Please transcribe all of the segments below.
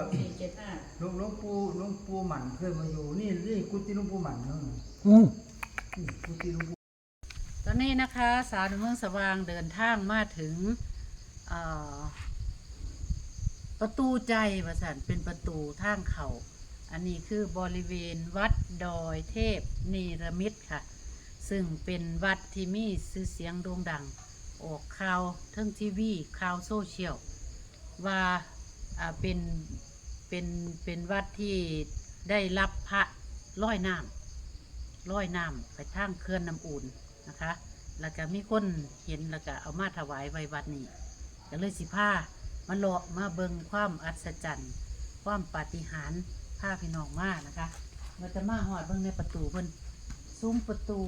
475 หลวงปู่หมันเคยมาอยู่นี่กุฏิหลวงปู่หมันเนาะกุฏิหลวงปู่ตอนนี้นะคะสาวในเมืองสว่างเดินทางมาถึงประตูใจประสันเป็นประตูทางเขาอันนี้คือบริเวณวัดดอยเทพเนรมิตค่ะซึ่งเป็นวัดที่มีชื่อเสียงโด่งดังออกข่าวทั้งทีวีข่าวโซเชียลว่าเป็นวัดที่ได้รับพระร้อยน้ำไปทางเขื่อนน้ำอุ่นนะคะแล้วก็มีคนเห็นแล้วก็เอามาถวายไว้วัดนี้ก็เลยสิพามาเลาะมาเบิ่งความอัศจรรย์ความปาฏิหาริย์พาพี่น้องมานะคะเราจะมาหอดเบิ่งในประตูเพิ่นซุ้มประตู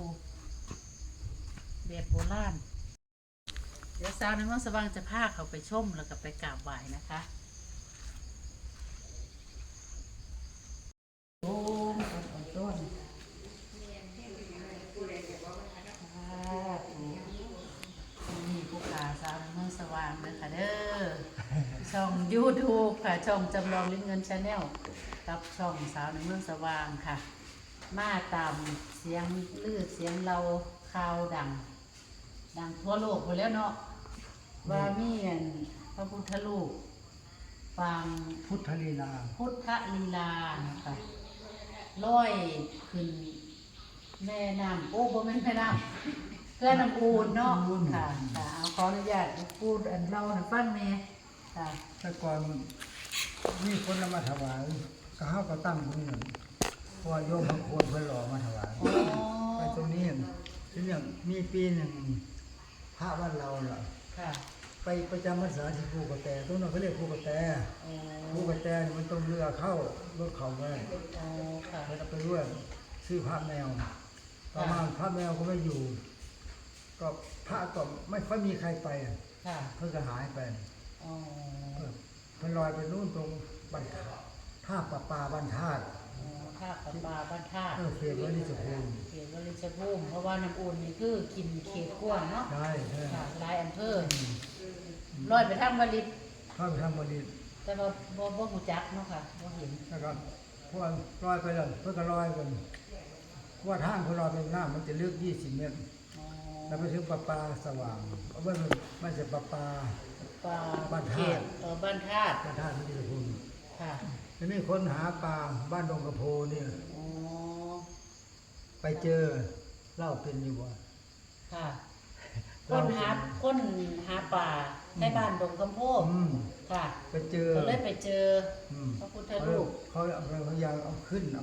แบบโบราณเดี๋ยวสาวในเมืองสว่างจะพาเขาไปชมแล้วก็ไปกราบไหว้นะคะโอ้ต้นนี่ผู้ขาสาวในเมืองสว่างเลยค่ะเด้อช่อง YouTube ค่ะช่องจำลองลิ้นเงินชาแนลกับช่องสาวในเมืองสว่างค่ะมาตามเสียงลือเสียงเราข่าวดังทั่วโลกหมดแล้วเนาะว่ามีพระพุทธรูปปางพุทธลีลานะคะลอยขึ้นแม่น้ำโอ้บ่แม่นแม่น้ำเพื่อน้ำอูนเนาะค่ะเอาขออนุญาตพูดอันเราให้ฟังแม่ค่ะแต่ก่อนมีคนมาถวายก็เฮาก็ตั้งตรงนี้เพราะว่าโยมบางคนเพิ่นหล่อมาถวายไปตรงนี้ทีนี้มีปีหนึ่งพระบ้านเราล่ะไปประจำพรรษาที่ภูกระแตตรงนั้นเขาเรียกภูกระแตมันต้องเรือเข้ารถเขาไปแล้วไปด้วยซื้อพระแมวประมาณพระแมวก็ไม่อยู่ก็พระก็ไม่ค่อยมีใครไปเพื่อจะหายไปมันลอยไปนู่นตรงบรรทัดท่าประปาบรรทัดเขตวลิชภูมิเพราะว่าน้ำอุ่นนี่คือกินเขตกว้างเนาะใช่หลายอำเภอลอยไปทางวลิตแต่ว่าบ่หูจักเนาะค่ะบ่เห็นนะครับพวกลอยไปแล้วเพื่อก็ลอยกันว่าทางพอลอยไปหน้ามันจะลึก20 เมตรแล้วไปถึงประปาสว่างไม่ใช่ประปาบ้านธาตุที่ดิภูมิแล้วมีคนหาปลาบ้านดงกระโพนี่ไปเจอเล่าเป็นอยู่บ่ค่ะคนหาป่าในบ้านดงกำโพค่ะไปเจอก็เลยไปเจอพระพุทธรูปเขาพยายามเอาขึ้น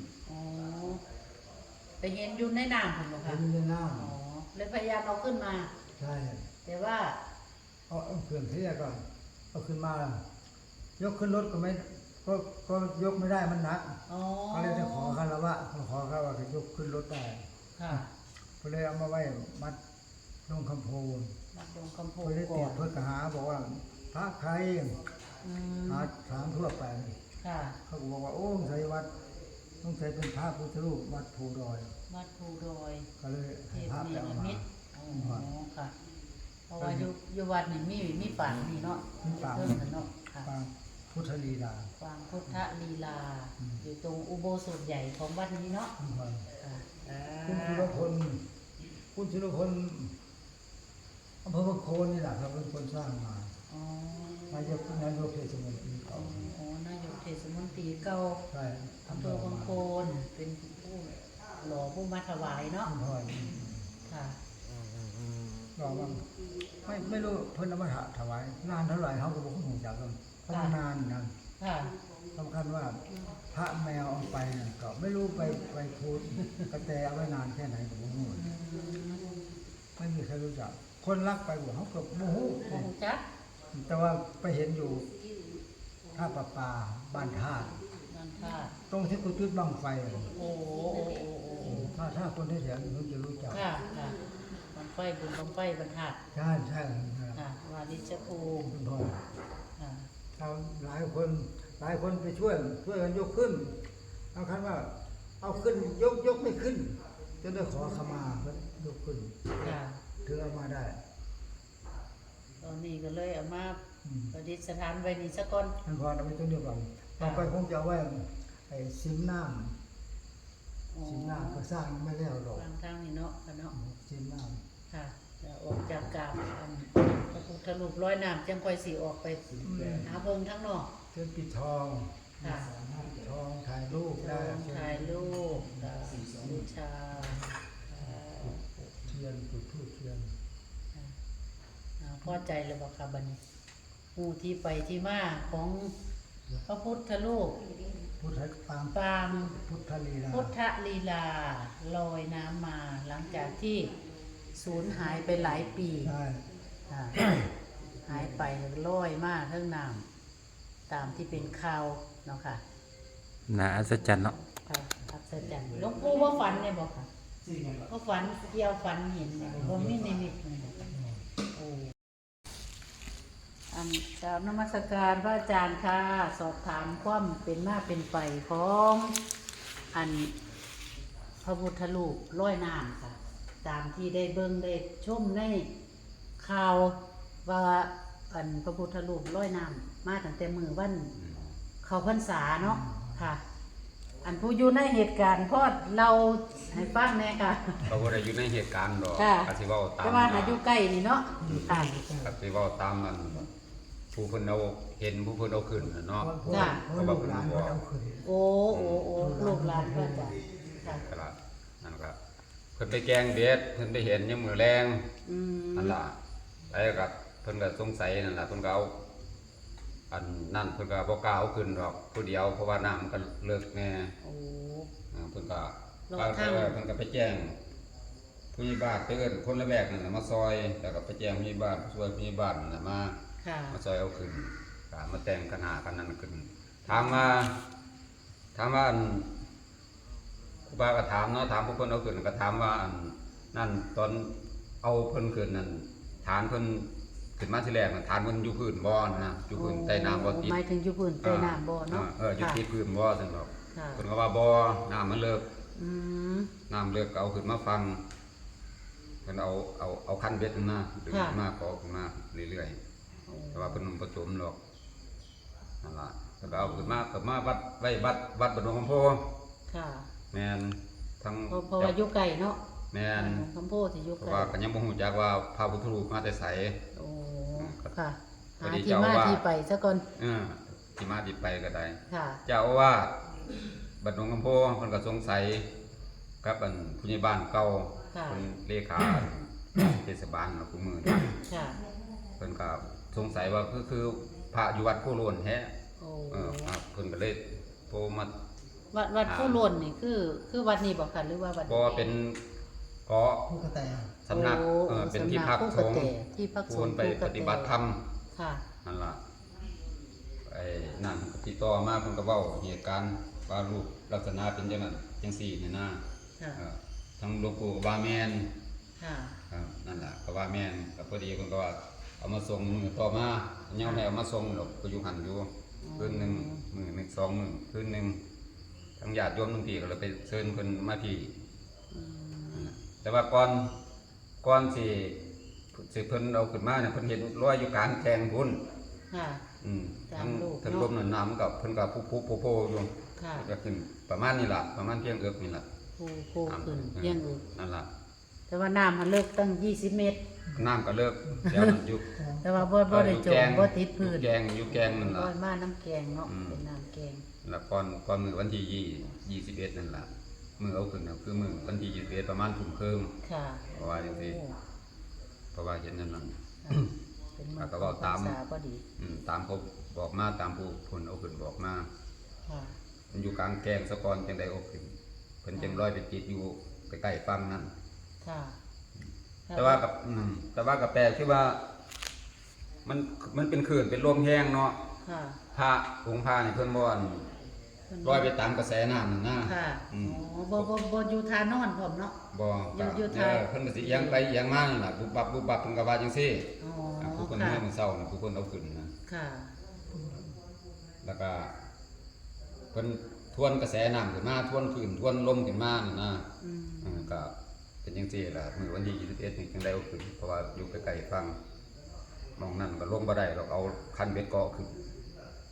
ไปเห็นอยู่ในน้ำผมหรอคะเห็นในน้ำเลยพยายามเอาขึ้นมาใช่แต่ว่าเอาเขื่อนเทียก่อนเอาขึ้นมายกขึ้นรถก็ยกไม่ได้มันหนักก็เลยจะขอคารวะจะยกขึ้นรถได้ก็เลยเอามาไว้มัดลงคำโพก็เลยติดเพื่อกหาบอกว่าพระใครหาถามทั่วไปเขาบอกว่าโอ้ใส่วัดต้องใส่เป็นพระพุทธรูปวัดภูดอยก็เลยภาพแบบมาค่ะเพราะว่าอยู่วัดนี่มีปางนี่เนาะเนาะปางพุทธลีลาอยู่ตรงอุโบสถใหญ่ของวัดนี้เนาะคุณสุรพลอำเภอบางโคนนี่แหละครับเป็นคนสร้างมานายกเทศมนตรีเก่านายกเทศมนตรีเก่าใช่อำเภอบางโคนเป็นผู้หล่อผู้มาถวายเนาะค่ะหล่อบ้างไม่รู้เพิ่นเอามาถวายนานเท่าไหร่เขาก็บอกเขาหูจักกันเพราะนานนะสำคัญว่าพระแมวเอาไปก็ไม่รู้ไปพูดกระแตเอาไว้นานแค่ไหนผมไม่รู้ไม่มีใครรู้จักคนรักไปบอกเขาก็โมโหแต่ว่าไปเห็นอยู่ท่าประปาบ้านท่าตรงที่คุณจุดบังไฟถ้าคนที่แถวนี้เขาจะรู้จักบังไฟบรรทัดใช่วาริชภูมิหลายคนไปช่วยกันยกขึ้นเอาคันว่าเอาขึ้นยกไม่ขึ้นจนได้ขอขมาเพิ่นยกขึ้นถือเอามาได้ตอนนี้ก็เลยเอามาประดิษฐานไว้นี่ซะก่อนพอเอาไปตรงเดียวกันต่อไปคงจะเอาไว้ไอ้ซิมน้ำซิมน้ำก็สร้างไม่แล้วหรอกวางทางนี่เนาะค่ะเนาะซิมน้ค่ะแล้วออกจากกราบอันพระพุทธรูปร้อยน้ำจังค่อยสิออกไปหาเบิ่งทั้งนอกำเชิญปิดทองค่ะปิดทองถ่ายรูปได้ถ่ายรูปบูชาเทียนจุดธูปเทียนพอใจเลยบ่ค่ะบัดนี้ผู้ที่ไปที่มาของพระพุทธรูปพุทธปางปางพุทธลีลาพุทธลีลาลอยน้ำมาหลังจากที่สูญหายไปหลายปีได้อ่าหายไปลอยมาเทั้งน้ำตามที่เป็นข่าวเนาะค่ะน่าอัศจรรย์เนาะค่ะอัศจรรย์หลวงปู่ว่าฝันเนี่ยบอกค่ะว่าฝันเกี่ยวฝันเห็นเนี่ยบ่มีนิมิตเลยบอกโอ้อันกราบนมัสการพระอาจารย์ค่ะ สอบถามความเป็นมาเป็นไปของอันพระพุทธรูปร้อยน้ำค่ะ ตามที่ได้เบิ่งได้ชมในข่าวว่าอันพระพุทธรูปร้อยน้ำมาตั้งแต่มือวันเข้าพรรษาเนาะค่ะ อันผู้อยู่ในเหตุการณ์พอดเราให้ฟังแน่ค่ะเราบ่ได้อยู่ในเหตุการณ์ดอกค่ะก็สิเว้าตามแต่ว่าหาอยู่ใกล้นี่เนาะค่ะก็สิเว้าตามมันผู้เพิ่นเอาเห็นผู้เพิ่นเอาขึ้นน่ะเนาะเพราะลูกหลานก็เอาขึ้นโอ้ลูกหลานพระอาจารย์ค่ะก็ล่ะนั่นก็เพิ่นไปแกล้งเบ็ดเพิ่นไปเห็นยามมื้อแลงอืมนั่นล่ะแล้วก็เพิ่นก็สงสัยนั่นล่ะเพิ่นก็เอาอันนั่นเพิ่นก็บ่กล้าเอาขึ้นดอกผู้เดียวเพราะว่าน้ำมันก็เลิกแน่โอ้เพิ่นก็รอบข้างเพิ่นก็ไปแจ้งผู้ใหญ่บ้านไปเอิ้นคนละแวกนั่นน่ะมาซอยแล้วก็ไปแจ้งผู้ใหญ่บ้านช่วยผู้ใหญ่บ้านนั่นน่ะมาค่ะมาซอยเอาขึ้นก็มาแต่งกันหากันนั่นขึ้นถามว่าอันครูบาก็ถามเนาะถามผู้คนเอาขึ้นก็ถามว่าอันนั่นตอนเอาเพิ่นขึ้นนั่นฐานเพิ่นขึ้นมาทีแรกน่ะฐานเพิ่นอยู่พื้นบ่นะอยู่พื้นใต้น้ำบ่ติดหมายถึงอยู่พื้นใต้น้ำบ่เนาะอยู่ติดพื้นบ่ซั่นดอกค่ะเพิ่นก็ว่าบ่น้ำมันเลิกอืมน้ำเลิกก็เอาขึ้นมาฟังเพิ่นเอาคันเบ็ดนั่นนะดึงขึ้นมาก็ขึ้นมาเรื่อยๆ แต่ว่าเพิ่นบ่จมหรอกนั่นล่ะเพิ่นก็เอาขึ้นมาก็มาวัดไว้วัดบดงคำโพค่ะแม่นทั้งเพราะว่าอยู่ไกลเนาะแม่นคำโพธิอยู่เพไกราะลว่าก็ยังบ่ฮู้จักว่าพระพุทธรูปมาแต่ไสโอ้ค่ะพอหาดีที่เจ้ามาว่าที่ไปซะก่อนที่มาที่ไปก็ได้ค่ะเจ้าอาวาสบดงคำโพเพิ่นก็สงสัยกับอันผู้ใหญ่บ้านเก่าค่ะเพิ่นเลขาเทศบาลเนาะผู้มือนี่ค่ะเพิ่นก็สงสัยว่าคือพระอยู่วัดโพโลนแท้โอ้ครับเพิ่นก็เลยโทรมาวัดผู้ล้นนี่คือวัดนี้บ่ค่ะหรือว่าวัดบ่เป็นเกาะผู้กระแตสำนักโอ้เป็นที่พักสำนัสงฆ์ที่พักสควงรฆ์ไปปฏิบัติธรรมค่ะนั่นล่ะไอ้นั่นติดต่อมาเพิ่นก็เว้าเหตุการณ์ว่ารูปลักษณะเป็นจังนั้นจังซี่นี่นะค่ะทั้งหลวงปู่ก็ว่าแม่นค่ะครับนั่นล่ะก็ว่าแม่นก็พอดีเพิ่นก็ว่าเอามาส่งมื้อต่อมายังไม่เอามาส่งดอกก็อยู่หั่นอยู่คืนหนึงมื้อหนึงสองมื้อคืนหนึงทั้งญาติโยมทั้งพี่ก็เลยไปเชิญเพิ่นมาพี่อืมแต่ว่าก่อนสิเพิ่นเอาขึ้นมาเนี่ยเพิ่นเห็นรอยอยู่กลางแกงพุ่นค่ะ ตามทั้งรูปทั้งเนาะลมนั่นน้ำกับเพิ่นก็ผู้โพอยู่ค่ะก็ขึ้นประมาณนี้ล่ะประมาณเพียงเอือกนี่ล่ะผู้ขึ้นเยี่ยงอื่นนั่นล่ะแต่ว่าน้ำมันเลิกตั้ง20 เมตรน้ำก็เลิกแล้วมันอยู่แต่ว่าบ่ได้จมบ่ติดพื้นอยู่แกงนั่นร้ล่ะอยมาน้ำแกงเนาะอืมเป็นน้ำแกงแล้วก่อนมื้อวันที่21นั่นล่ะมื้อเอาขึ้นน่ะคือมื้อวันที่21ประมาณทุ่มครึ่งค่ะเพราะว่าจังซี่โอ้เพราะว่าเห็นนั่นนั่นค่ะเป็นมื้อก็เว้าตามพรรษพอดีตามเขาบอกมาตามผู้เพิ่นเอาขึ้นบอกมาค่ะมันอยู่กลางแกงสะกอนจังไดเอาขึ้นเพิ่นจังลอยไปติดอยู่ใกล้ๆฝั่งนั้นค่ะแต่ว่ากับแปลกที่ว่ามันเป็นขื่นเป็นลมแห้งเนาะค่ะพระองค์พระนี่เพิ่นบ่อนลอยไปตามกระแสน้ำนั่นนะค่ะอืมอ๋อบ่อยู่ทานอนพร้อมเนาะบ่อยู่ท้ายเพิ่นก็สิเอียงไปเอียงมานั่นล่ะบุบบับเพิ่นก็ว่าจังซี่อ๋อผู้คนค่ะเมื่อมื้อเช้าน่ะผู้คนเอาขึ้นนะค่ะแล้วก็เพิ่นทวนกระแสน้ำขึ้นมาทวนขึ้นทวนลมขึ้นมานั่นนะอืมก็เป็นจังซี่ล่ะมื้อวันที่21นี่จังได้เอาขึ้นเพราะว่าอยู่ใกล้ๆฝั่งมองนั่นก็ลงบ่ได้หรอกเอาคันเบ็ดเกาะขึ้น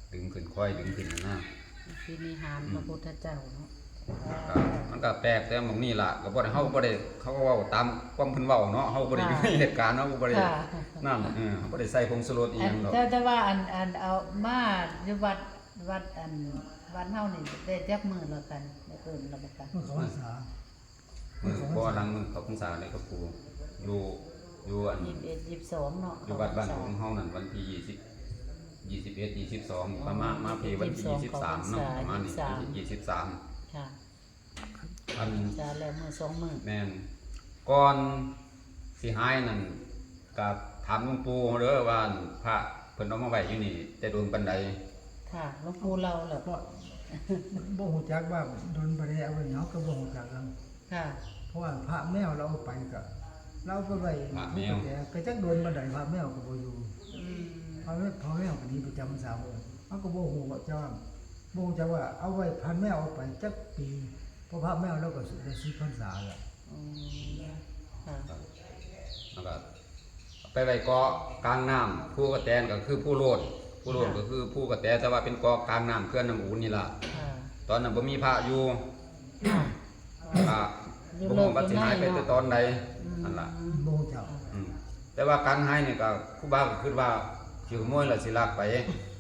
ดึงขึ้นค่อยดึงขึ้นนะพินิหารพระพุทธเจ้าเนาะมันก็แปลกแต่หม่องนี้ล่ะก็บ่ได้เฮาบ่ได้เขาก็เว้าตามความเพิ่นเว้าเนาะเฮาบ่ได้อยู่ในเหตุการณ์เฮาบ่ได้นั่นเฮาบ่ได้ใส่ผงชูรสอีหยังดอกแต่ว่าอันเอามาอยู่วัดอันวัดเฮานี่ได้จักมื้อแล้วกันได้เอิ้นแล้วบ่กันเมื่อเขาภาษามือบ่หลังมือเขาพรรษาเลยกับครูอยู่อัน 21 22เนาะอยู่วัดบ้านของเฮานั่นวันที่21 22ประมาณมาปีวันที่23เนาะประมาณนี้23 ค่ะอันจะแล้วมื้อ2มื้อแม่นก่อนสิหายนั่นก็ถามหลวงปู่เด้อว่าพระเพิ่นเอามาไว้อยู่นี่แต่โดนปานใดค่ะหลวงปู่เราแหละเพราะบ่ฮู้จักว่าโดนบ่ได้เอาไว้เนาะก็บ่ฮู้จักกันค่ะเพราะว่าพระแมวเราเอาไปก็เราก็ไว้แต่ก็จักโดนบ่ได้พระแมวก็บ่อยู่อืมพอแมวก็หนี้ประจำพรรษาเพิ่นเฮาก็บ่ฮู้ว่าเจ้าบ่ฮู้จักว่าเอาไว้พันแมวเอาไปจักปีเพราะพระแมวเราก็ได้10พรรษาแล้วอืมค่ะแล้วก็ไปไว้เกาะกลางน้ำผู้กระแตนก็คือผู้โลดก็คือผู้กระแตแต่ว่าเป็นเกาะกลางน้ำเขื่อนน้ำอูนนี่ล่ะค่ะตอนนั้นบ่มีพระอยู่ค่ะก็บ่ฮู้ว่าสิหายไปแต่ตอนใดนั่นล่ะบ่ฮู้จักแต่ว่าการหายนี่ก็ครูบาก็คิดว่าสิขโมยแล้วสิลักไป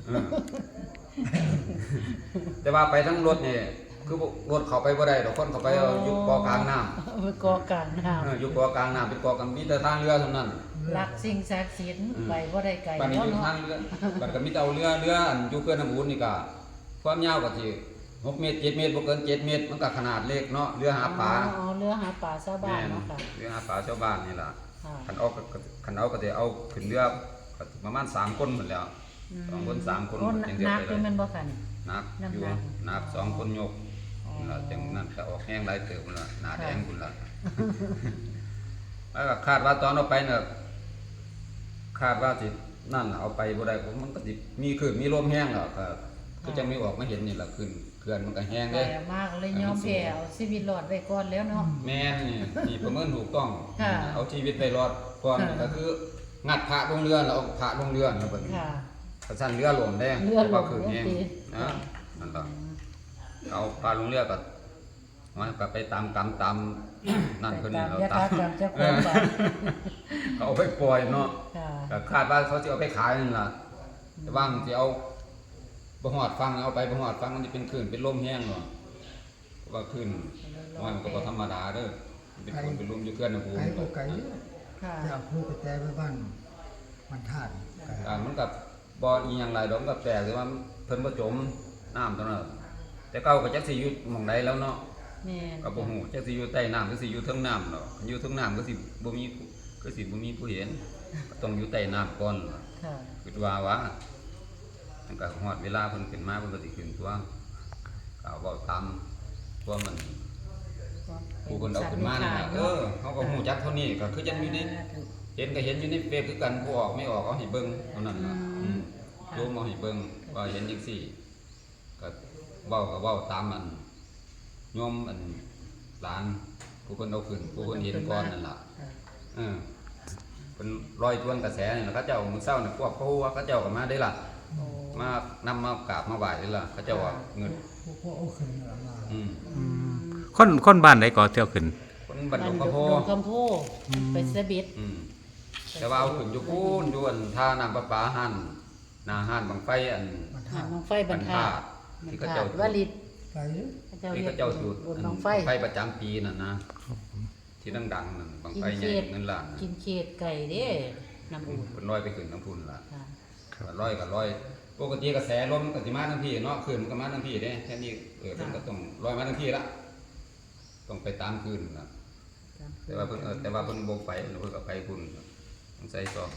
แต่ว่าไปทั้งรถนี่คือรถเข้าไปบ่ได้ดอกคนเข้าไปอยู่เกาะกลางน้ำไปกอกลางน้ำอยู่เกาะกลางน้ำเป็นเกาะกันมีแต่ทางเรือเท่านั้นรักสิ่งศักดิ์สิทธิ์ไปบ่ได้ไกลบัดนี้เนาะอยู่เนาะทางเรือบัดก็มีแต่เอาเรืออันอยู่เขื่อนน้ำอูนนี่ก็ความยาวก็สิ6 เมตร 7 เมตรบ่เกิน 7 เมตรมันก็ขนาดเล็กเนาะเรือหาปลาอ๋อเรือหาปลาชาวบ้านเนาะค่ะเรือหาปลาชาวบ้านนี่ล่ะค่ะคันเอาก็สิเอาขึ้นเรือก็ประมาณ3คนหมดแล้ว2คน3คนโอ้จังเดียวนักไปนี่เลแม่ยนบ่ค่ะนี่หนักอยู่น้ำหนักหนัก2คนยกนั่นล่ะจังนั้นก็ออกแห้งหลายเติบพุ่นล่ะหน้าแดงพุ่นล่ะแล้วก็คาดว่าตอนเอาไปเนี่ยคาดว่าสินั่นล่ะเอาไปบ่ได้ผมมันก็สิมีคลื่นมีลมแห้งแล้วก็คือจังไม่ออกมาเห็นนี่ล่ะขึ้นเขื่อนมันก็แห้งไปเด้มากเลยยอมแพ้เอาชีวิตรอดไว้ก่อนแล้วเนาะแม่นนี่ประเมินถูกต้องค่ะเอาชีวิตไปรอดก่อนค่ะก็คืองัดพระลงเรือแล้วเอาพระลงเรือแล้วเพิ่นค่ะกระชั้นเรือหล่มได้เรือหล่มคืนนี้โอเคนะนั่นล่ะเอาพระลงเรือก็มันก็ไปตามกรรมตามนั่นเพิ่นนี่เรายะตาถาม กรรมเจ้าของบ้านเขาเอาไปปล่อยเนาะค่ะก็คาดว่าเขาสิเอาไปขายนั่นล่ะแต่ว่างสิเอาบ่ฮอดฟังเอาไปบ่ฮอดฟังมันสิเป็นคลื่นเป็นลมแห้งเนาะเพราะว่าคลื่นมันก็บ่ธรรมดาเด้อมันเป็นคลื่นเป็นลมอยู่เขื่อนน้ำปูไกลก็ไกลเด้อค่ะจะเอาผู้กระแตไปบ้านมันธาตุไกลมันก็บ่อีหยังหลายดอกมันก็แปลกแต่ว่าเพิ่นบ่จมน้ำตอนนั้นแต่เก่าก็จักสิอยู่หม่องใดแล้วเนาะแม่นก็บ่ฮู้จักสิอยู่ใต้น้ำหรือสิอยู่เทิงน้ำเนาะอยู่เทิงน้ำก็สิบ่มีผู้เห็นก็ต้องอยู่ใต้น้ำก่อนล่ะค่ะคิดว่ามันก็ฮอดเวลาเพิ่นขึ้นมาเพิ่นก็สิขึ้นตัวก็เอาเว้าตามตัวมันผู้เพิ่นเอาขึ้นมานี่ล่ะเฮาก็ฮู้จักเท่านี้ก็คือจังอยู่ในเห็นก็เห็นอยู่ในเฟซคือกันผู้ออกไม่ออกเอาให้เบิ่งเท่านั้นล่ะโยมเอาให้เบิ่งว่าเห็นจังซี่ก็เว้าตามมันโยมอันหลานผู้เพิ่นเอาขึ้นผู้เพิ่นเห็นก่อนนั่นล่ะค่ะเป็นรอยทวนกระแสนี่ล่ะเขาเจ้ามื้อเช้านี่พวกเขาเจ้าก็มาได้ล่ะโอ้มานำมากราบมาไหว้ได้ล่ะเขาเจ้าว่าเงินพวกเอาขึ้นมาคนบ้านใดก็เที่ยวขึ้นคนบัดดงกระโพดงคำโพไปเสบิดแต่ว่าเอาขึ้นอยู่พูนอยู่อันท่าน้ำประปาหันหน้าห้านบังไฟอันมันหาธาตุน้องไฟบรรทัดที่เขาเจ้าวลิตไกลเด้อที่เขาเจ้าจุดบุญน้องไฟไฟประจำปีนั่นนะที่ดังๆนั่นบังไฟใหญ่เงินล้านกินเขตไก่เด้น้ำอุ่นเป็นลอยไปขึ้นน้ำพุนล่ะค่ะก็ลอยก็ลอยปกติกระแสลมก็สิมาทั้งพี่เนาะขึ้นมันก็มาทั้งพี่เด้แค่นี้เพิ่นก็ต้องลอยมาทั้งพี่ละต้องไปตามคืนนะแต่ว่าเพิ่นบ่ไปเพิ่นก็ไปพุ่นต้องใส่ซอง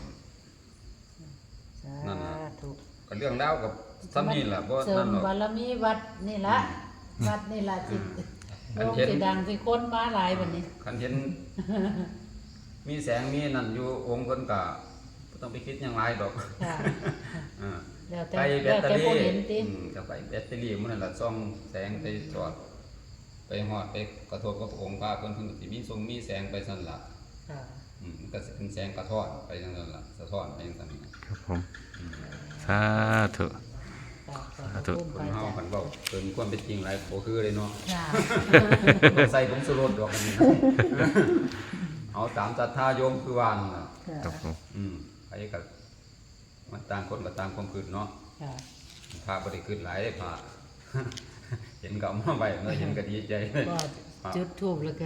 นั่นน่ะสาธุก็เรื่องราวกับซ้ำนี่ล่ะบ่เสรินั่มนหรอกบารมีวัดนี่ละวัดนี่ละจิตอันโลกเห็นสิดังสิคนมาหลายบัดนี้คันเห็น มีแสงมีนั่นอยู่องค์เพิ่นก็บ่ต้องไปคิดหยังหลายดอกค่ะอ่าแล้วแต่ไปแบแล้วตเตอแต่รี่ผู้เห็นติก็ไปแบตเตอรี่มันนั่นล่ะส่องแสงไปจอด ไปฮอดไปกระทบกับองค์พระเพิ่นก็สิมีทรงมีแสงไปซั่นล่ะค่ะมันก็สิเป็นแสงกระท้อนไปจังซั่นล่ะสะท้อนไปจังซั่นน่ะครับผมสาธุค่ะธุขอบคคุณนเฮาพระคัอาน จารย์เว้าเกินความเป็นจริงหลายบ่คือเลยเนาะค่ะใส่ผงชูรสดอกอันนี้นะเอาตามศรัทธาโยมคือว่านั่นน่ะครับผมไปก็มันต่างคนก็ต่างความคิดเนาะค่ะพระบ่ได้คิดหลายเด้พระ เห็นก็เอามาไว้เนาะเห็นก็ดีใจเลยก็จุดทูบแล้วกัน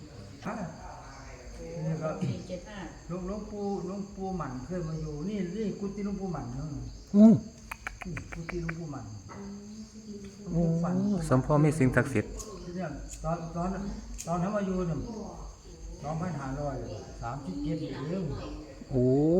นี่ก็ 475 หลวงปู่หมันเคยมาอยู่นี่กุฏิหลวงปู่หมันเนาะอู้นี่กุฏิหลวงปู่หมันโอ้สมพ่อมีสิ่งศักดิ์สิทธิ์เนี่ยตอนทำมาอยู่เนี่ย2,537เองโอ้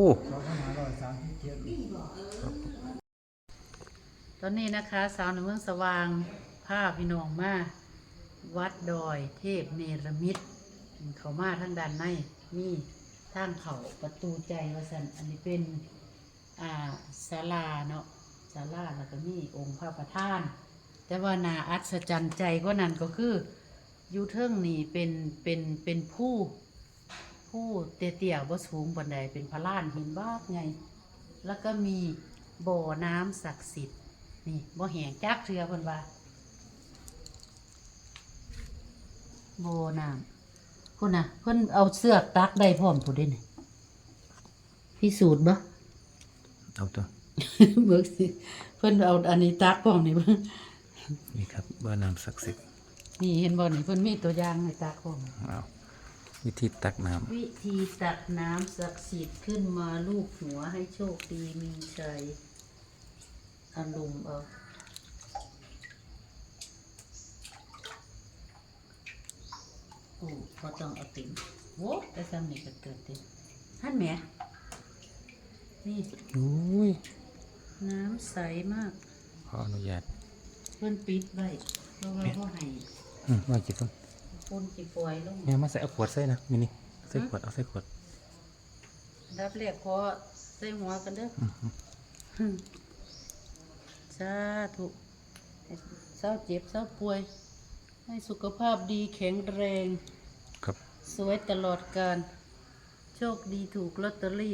ตอนนี้นะคะสาวในเมืองสว่างพาพี่น้องมาวัดดอยเทพเนรมิตเขามาทางด้านในมีทางเขาประตูใจว่าสันอันนี้เป็นศาลาเนาะศาลาแล้วก็มีองค์พระประธาน แต่ว่านาอัศจรรย์ใจก็นั่นก็คืออยู่เทิงนี่เป็นผู้เตี้ยๆบ่สูงปานใดเป็นพระลานหินบากไงแล้วก็มีบ่อน้ำศักดิ์สิทธิ์นี่บ่แห้งจักเทื่อเพิ่นว่าบ่อน้ำพุ่นน่ะเพิ่นเอาเสือกตักได้พร้อมพุ่นเด้นี่พิสูจน์บ่เอาตัวเบิกสิเพิ่นเอาอันนี้ตักพร้อมนี่เบิ่งนี่ครับบ่อน้ำศักดิ์สิทธิ์นี่เห็นบ่นี่เพิ่นมีตัวอย่างให้ตักพร้อมเอาวิธีตักน้วิธีตักน้ำศักดิ์สิทธิ์ขึ้นมาลูบหัวให้โชคดีมีชัยอารมณ์เอาโอ้พอต้องเอาติ่งโว้แต่ซ้ำนี่ก็เกิดติ่งฮั่นแหมนี่ำอุ้ยน้ำใสมากขออนุญาตเพิ่นปิดไว้เพราะว่าเขาให้ว่ากี่ต้นคนกี่ปล่อยลงเนี่ยมาใส่เอาขวดใส่นะมินี่ใส่ขวดเอาใส่ขวดดับแรกขอใส่หัวกันเด้อสาธุเศร้าเจ็บเศร้าป่วย ให้สุขภาพดีแข็งแรงครับสวยตลอดการ โชคดีถูกลอตเตอรี่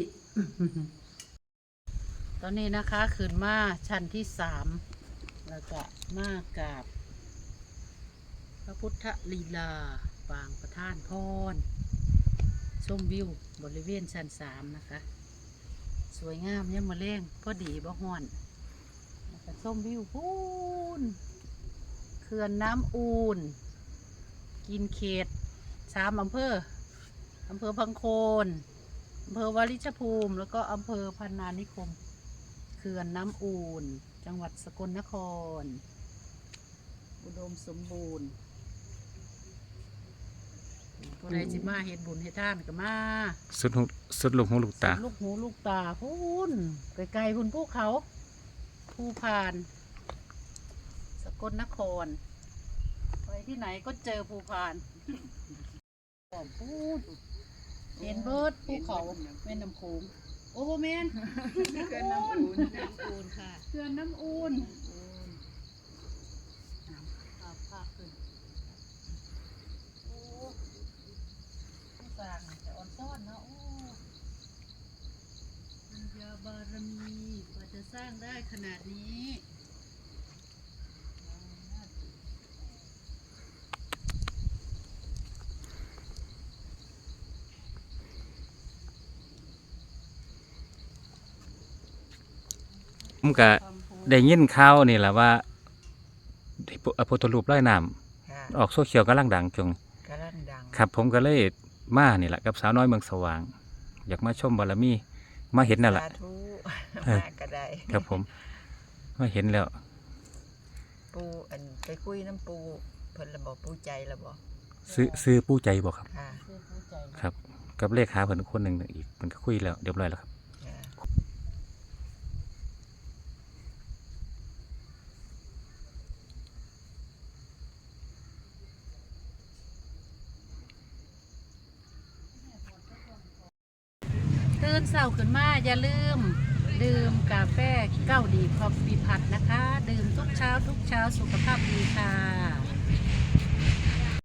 ตอนนี้นะคะขึ้นมาชั้นที่3แล้วก็มากราบ พระพุทธลีลาปางประธานพรชมวิวบริเวณชั้น3นะคะ สวยงามเนี่ยามมาเล่งพอดีบ่ฮ้อนแล้วก็ชมวิวพูนเขื่อนน้ำอูนกินเขต3อำเภอพังโคนอำเภอวาริชภูมิ แล้วก็อำเภอพันนานิคมเขื่อนน้ำอูนจังหวัดสกลนคร อุดมสมบูรณ์ผู้ใดสิมาเฮ็ดบุญเฮ็ดทานก็มาสุดลูกหูลูกตาลูกหูลูกตาพูนไกลๆพุ่นภูเขาภูพาน สกลนคร ไปที่ไหนก็เจอภูพานพูนเห็นเบิดภูเขาแม่น้ำโขงโอ้โหแม่นเขื่อนน้ำอูนค่ะเขื่อนน้ำอูนภาพขึ้นโอ้ผู้สร้างจะอ่อนซ่อนเนาะโอ้ปัญญาบารมีกว่าจะสร้างได้ขนาดนี้ผมก็ได้ยินข่าวนี่แหละว่าพระพุทธรูปร้อยน้ค่ะำออกโซเชียลกำลังดังจงกำลังดังครับผมก็เลยมานี่แหละกับสาวน้อยเมืองสว่าง อยากมาชมบารมีมาเห็นนั่นแหละสาธุเออมาก็ได้ครับผมมาเห็นแล้วปูอันไปคุยน้ำปูเพิ่นระบอกปูใจระบอกซื้อผู้ใจบอกครับค่ะเพื่อผู้ใจครับ กับเลขาเพิ่นคนหนึ่งอีกมันก็คุยแล้วเรียบร้อยแล้วครับค่ะตื่นเช้าขึ้นมาอย่าลืม ดื่มกาแฟเก้าดีคอฟฟี่พัดนะคะ ดื่มทุกเช้าสุขภาพดีค่ะ